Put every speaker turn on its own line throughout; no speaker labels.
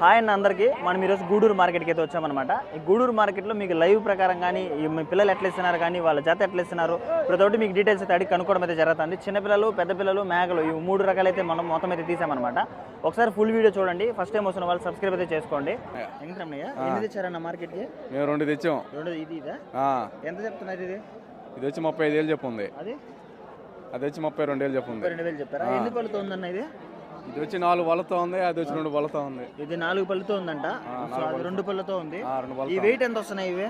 Hi అన్న అందరికీ మనం ఈరోజు గూడూరు మార్కెట్కి అయితే వచ్చామన్నమాట. ఈ గూడూరు మార్కెట్లో మీకు లైవ్ ప్రకారం కానీ మీ పిల్లలు ఎట్లా ఇస్తున్నారు కానీ వాళ్ళ జత ఎట్లా ఇస్తున్నారు ప్రతి ఒక్కటి మీకు డీటెయిల్స్ అయితే అడిగి కనుక్కోవడం అయితే జరుగుతుంది. చిన్నపిల్లలు, పెద్ద పిల్లలు, మేకలు ఈ 3 రకాలైతే మనం మొత్తం అయితే తీసామన్నమాట. ఒకసారి ఫుల్ వీడియో చూడండి. ఫస్ట్ టైం వస్తున్న వాళ్ళు సబ్స్క్రైబ్ అయితే చేసుకోండి. ఎన్ని తెచ్చారన్న మార్కెట్కి?
మేము 2 తెచ్చాం.
ఇదా ఎంత చెప్తున్నారు?
ఇది వచ్చి 35,000 చెప్పుంది.
అది
వచ్చి 32,000 చెప్పుంది.
32,000 చెప్పారా? ఎన్ని పళ్ళతో ఉందన్న ఇది?
ఇది వచ్చి 4 పళ్ళతో ఉంది. అది వచ్చి 2 పళ్ళతో ఉంది.
ఇది 4 పళ్ళతో ఉందంట. అది 2 పళ్ళతో ఉంది. ఈ వెయిట్ ఎంత వస్తున్నాయి ఇవి?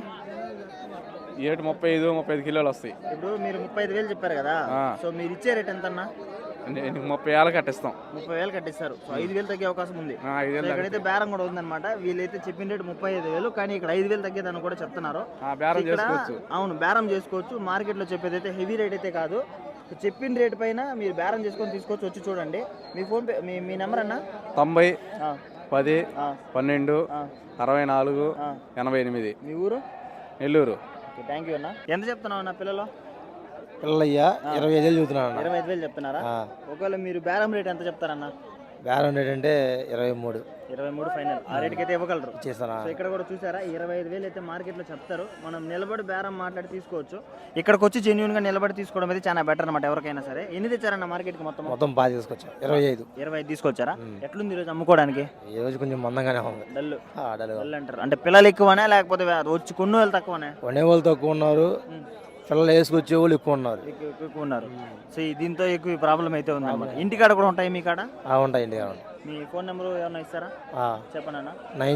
35 కిలోలు వస్తాయి.
ఇప్పుడు మీరు 35,000 చెప్పారు కదా, సో మీరు ఇచ్చే రేట్ ఎంత అన్న?
30,000 కట్టిస్తాం.
30,000 కట్టిస్తారు. సో 5,000 తగ్గే అవకాశం ఉంది. ఇక్కడైతే బేరం కూడా ఉందన్నమాట. వీళ్ళైతే చెప్పిన రేటు 35,000, కానీ ఇక్కడ 5,000 తగ్గేదని కూడా చెప్తున్నారు. అవును, బేరం చేసుకోవచ్చు. మార్కెట్ లో చెప్పేది అయితే హెవీ రేట్ అయితే కాదు. చెప్పిన రేట్ పైన మీరు బేరం చేసుకొని తీసుకోవచ్చు. వచ్చి చూడండి. మీ ఫోన్ పే మీ నెంబర్ అన్న?
90 10 12 64 88.
మీ ఊరు?
నెల్లూరు.
థ్యాంక్ యూ అన్న. ఎంత చెప్తున్నావు అన్న పిల్లలు?
పిల్లలయ్యా 25,000 చెబుతున్నా.
25,000 చెప్తున్నారా? ఒకవేళ మీరు బేరం రేట్ ఎంత చెప్తారన్న?
బేరం రేట్ అంటే 23
ఫైనల్. ఆ రేట్కి అయితే ఇవ్వగలరు.
సో
ఇక్కడ కూడా చూసారా, 25,000 అయితే మార్కెట్లో చెప్తారు. మనం నిలబడి బేరం మాట్లాడి తీసుకోవచ్చు. ఇక్కడికి వచ్చి జెన్యూన్ గా నిలబడి తీసుకోవడం అయితే చాలా బెటర్ అనమాట. ఎవరికైనా సరే. ఎన్ని తెచ్చారన్న మార్కెట్కి? మొత్తం
బాగా తీసుకొచ్చా. 25
తీసుకొచ్చారా? ఎట్లుంది ఈరోజు అమ్ముకోవడానికి?
ఈ రోజు కొంచెం మందంగానే ఉంది.
డల్ అంటారు. అంటే పిల్లలు ఎక్కువనే లేకపోతే వచ్చి కొన్ను వాళ్ళు తక్కువనే?
కొనేవాళ్ళు తక్కువ ఉన్నారు, పిల్లలు వేసుకొచ్చే వాళ్ళు ఎక్కువ
ఉన్నారు. సో దీంతో ఎక్కువ ప్రాబ్లం అయితే ఉంది. ఇంటికాడ కూడా ఉంటాయి మీ కాడ?
ఉంటాయి. ఇంటికాడ
మీ ఫోన్ నెంబర్ ఏమన్నా ఇస్తారా? చెప్పనా?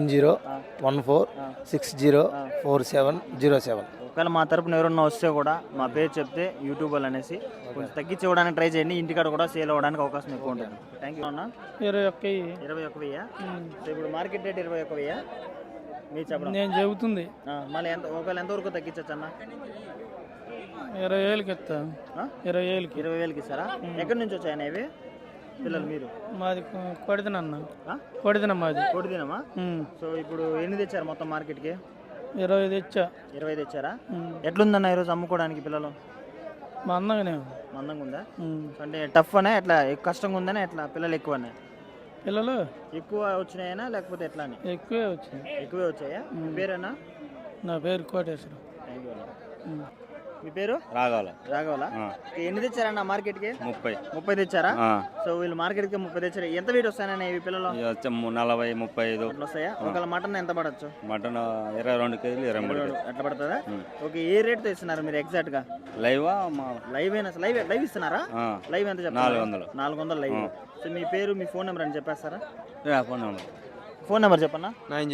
9014604707.
ఒకవేళ మా తరపున ఎవరన్నా వస్తే కూడా మా పేరు చెప్తే యూట్యూబ్ అనేసి కొంచెం తగ్గించి ఇవ్వడానికి ట్రై చేయండి. ఇంటికాడ కూడా సేల్ అవ్వడానికి అవకాశం ఎక్కువ ఉంటుంది. థ్యాంక్ యూ అన్న. 21,000. సో ఇప్పుడు మార్కెట్ రేట్ 21,000 మీ చెప్పడం
నేను చెబుతుంది.
మళ్ళీ ఒకవేళ ఎంతవరకు తగ్గించచ్చు అన్న?
20,000కి ఇస్తా.
20,000కి ఇస్తారా? ఎక్కడి నుంచి వచ్చాయన్న ఇవి పిల్లలు? మీరు?
మాది కొడిదినన్నా. మాది
కొడిదినమా? సో ఇప్పుడు ఎన్ని తెచ్చారు మొత్తం మార్కెట్కి?
20 తెచ్చా.
20 తెచ్చారా? ఎట్లుందన్న ఈరోజు అమ్ముకోవడానికి పిల్లలు?
మందంగా
ఉందా? అంటే టఫ్ అనే ఎట్లా కష్టంగా ఉందనే ఎట్లా? పిల్లలు ఎక్కువనే?
పిల్లలు
ఎక్కువ వచ్చినాయనా లేకపోతే ఎట్లా?
ఎక్కువే
వచ్చాయా? మీ పేరేనా?
నా పేరు కోటేశ్వరం.
మీ పేరు? రాఘవల. ఎన్ని తెచ్చారన్న మార్కెట్కి? 30 తెచ్చారా? సో వీళ్ళు మార్కెట్కి 30 తెచ్చారు. ఎంత వెయిట్ వస్తాయన్న ఇవి పిల్లలు?
40 35
వస్తాయా? ఒకవేళ మటన్ ఎంత పడచ్చు?
మటన్ 22 కేజీలు 23
అట్లా పడుతుందా? ఓకే. ఏ రేట్ తో ఇస్తున్నారు మీరు ఎగ్జాక్ట్ గా?
లైవ్
ఇస్తున్నారా? లైవ్ ఎంత చెప్పారు? 400 లైవ్. సో మీ పేరు, మీ ఫోన్ నెంబర్ అని చెప్పేస్తారా? ఫోన్ నెంబర్ చెప్పన్నా?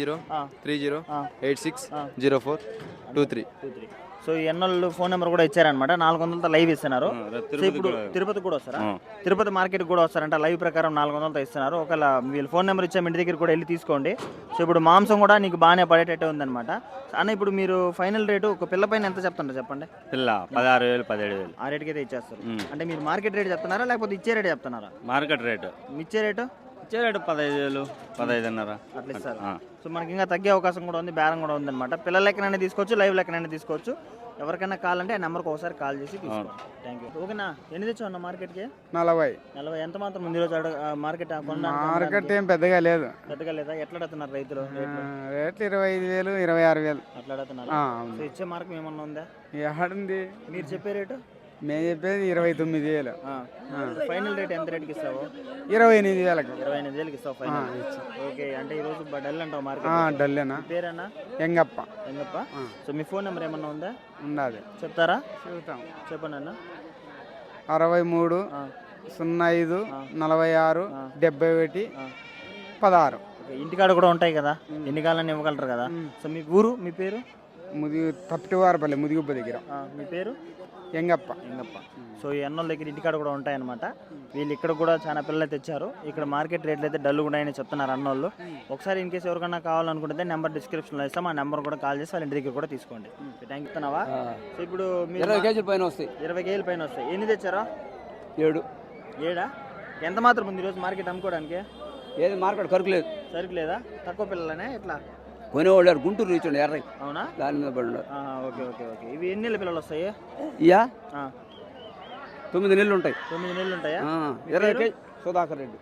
9030860423.
సో ఈ ఎన్నోళ్ళు ఫోన్ నెంబర్ కూడా ఇచ్చారనమాట. 400తో లైవ్ ఇస్తున్నారు. సో ఇప్పుడు తిరుపతి కూడా వస్తారా? తిరుపతి మార్కెట్ కూడా వస్తారంట. లైవ్ ప్రకారం 400తో ఇస్తున్నారు. ఒకవేళ వీళ్ళు ఫోన్ నెంబర్ ఇచ్చాము, ఇంటి దగ్గర కూడా వెళ్ళి తీసుకోండి. సో ఇప్పుడు మాంసం కూడా నీకు బాగానే పడేటట్టే ఉందన్నమాట. అన్న ఇప్పుడు మీరు ఫైనల్ రేటు ఒక పిల్ల పైన ఎంత చెప్తారు చెప్పండి?
పిల్ల 16,000 17,000
ఆ రేటుకి అయితే ఇచ్చేస్తారు. అంటే మీరు మార్కెట్ రేట్ చెప్తున్నారా లేకపోతే ఇచ్చే రేట్ చెప్తున్నారా?
Market rate.
ఇచ్చే రేటు
15,000 15,500
అట్లా ఇస్తారు. సో మనకి ఇంకా తగ్గే అవకాశం కూడా ఉంది, బేరం కూడా ఉంది అనమాట. పిల్లల లెక్కనైనా తీసుకోవచ్చు, లైవ్ లెక్కనైనా తీసుకోవచ్చు. ఎవరికైనా కావాలంటే ఆ నెంబర్కి ఒకసారి కాల్ చేసి తీసుకోండి. Thank you. ఓకేనా? ఎన్ని తెచ్చావు అన్న మార్కెట్కి?
40.
ఎంత మాత్రం ఉంది ఈరోజు మార్కెట్?
మార్కెట్ ఏం పెద్దగా లేదా?
ఎట్లా అడుగుతున్నారు రైతులు?
రేట్లు 25,000 26,000
అట్లా అడుగుతున్నారు. ఇచ్చే మార్గం ఏమన్నా ఉందా?
ఎక్కడుంది?
మీరు చెప్పే రేటు?
మేము చెప్పేది 29,000.
ఫైనల్ రేట్ ఎంత రేట్కి ఇస్తావు?
28,000.
28,000కి ఇస్తావు ఫైనల్. ఓకే. అంటే ఈరోజు డల్ అంటావు మార్కెట్?
డల్లేనా.
పేరేనా?
ఎంగప్ప.
సో మీ ఫోన్ నెంబర్ ఏమన్నా ఉందా?
ఉన్నది.
చెప్తారా?
చెబుతాం.
చెప్పండి అన్న.
63 05 46 71 16.
ఇంటికాడ కూడా ఉంటాయి కదా, ఎన్ని కాలాన్ని ఇవ్వగలరు కదా. సో మీ ఊరు, మీ పేరు?
తప్పివారపల్లి ముదిగుబ్బ దగ్గర.
మీ పేరు?
ఎంగప్ప.
సో ఈ అన్నోళ్ళ దగ్గర ఇంటికాడ కూడా ఉంటాయన్నమాట. వీళ్ళు ఇక్కడ కూడా చాలా పిల్లలు తెచ్చారు. ఇక్కడ మార్కెట్ రేట్లు అయితే డల్ కూడా అని చెప్తున్నారు అన్నోళ్ళు. ఒకసారి ఇన్ కేసు ఎవరికన్నా కావాలనుకుంటే నెంబర్ డిస్క్రిప్షన్లో ఇస్తాం. ఆ నెంబర్ కూడా కాల్ చేసి వాళ్ళ ఇంటి దగ్గర కూడా తీసుకోండి. Thank you. సో ఇప్పుడు
20 కేజీల పైన వస్తాయి.
20 కేజీల పైన వస్తాయి. ఎన్ని తెచ్చారా?
7.
ఎంత మాత్రం ఉంది ఈరోజు మార్కెట్ అమ్ముకోవడానికి?
ఏది మార్కెట్
సరుకు లేదా? తక్కువ పిల్లలనే ఎట్లా?
కొనేవాళ్ళు గుంటూరు రీచండి ఎర్ర.
అవునా?
దాని మీద పడి.
ఓకే. ఇవి ఎన్ని నెలల పిల్లలు వస్తాయి?
9 నెలలు ఉంటాయి.
9 నెలలు ఉంటాయా?
20 KG Sudhakar Reddy.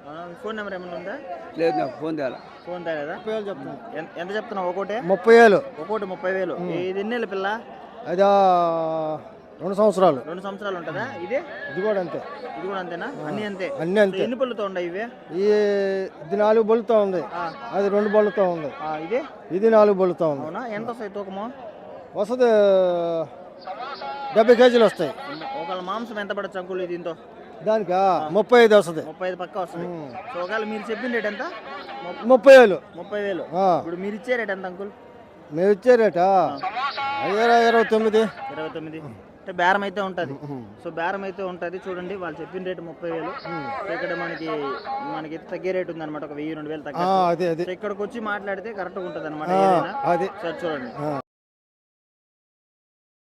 Phone number ఏమైనా ఉందా?
లేదు నాకు ఫోన్ తేలా
ఫోన్ తేలేదా? ఎంత చెప్తున్నావు ఒకటే?
30,000
ఒకటి 30,000. ఇది ఎన్నేళ్ళ పిల్ల?
అది 2 సంవత్సరాలు
2 సంవత్సరాలు ఉంటుందా? ఇది
ఇది కూడా అంతే
ఇది కూడా అంతేనా? అన్ని అంతే.
అన్నీ అంతే
ఎన్ని పళ్ళుతో ఉన్నాయి ఇవి?
ఇది 4 బొల్లుతో ఉంది, అది 2 బొల్లుతో ఉంది,
ఇది
ఇది 4 బొల్లుతో ఉంది.
అవునా? ఎంత వస్తాయి తూకము?
వస్తుంది 70 కేజీలు వస్తాయి.
ఒకవేళ మాంసం ఎంత పడచ్చు అంకుల్ దీంతో?
దానికి 35 వస్తుంది.
35 పక్క వస్తుంది. సో ఒకవేళ మీరు చెప్పిన రేట్ ఎంత?
30,000.
30,000. ఇప్పుడు మీరు ఇచ్చే రేట్ ఎంత అంకుల్?
మేము ఇచ్చే రేటా 29.
29 అంటే బేరం అయితే ఉంటుంది. సో బేరం అయితే ఉంటుంది. చూడండి వాళ్ళు చెప్పిన రేటు 30,000. ఇక్కడ మనకి తగ్గే రేట్ ఉంది అనమాట, ఒక 1,000-2,000 తగ్గ.
అదే
ఇక్కడికి వచ్చి మాట్లాడితే కరెక్ట్గా ఉంటుంది అనమాట.
అదే
సార్ చూడండి.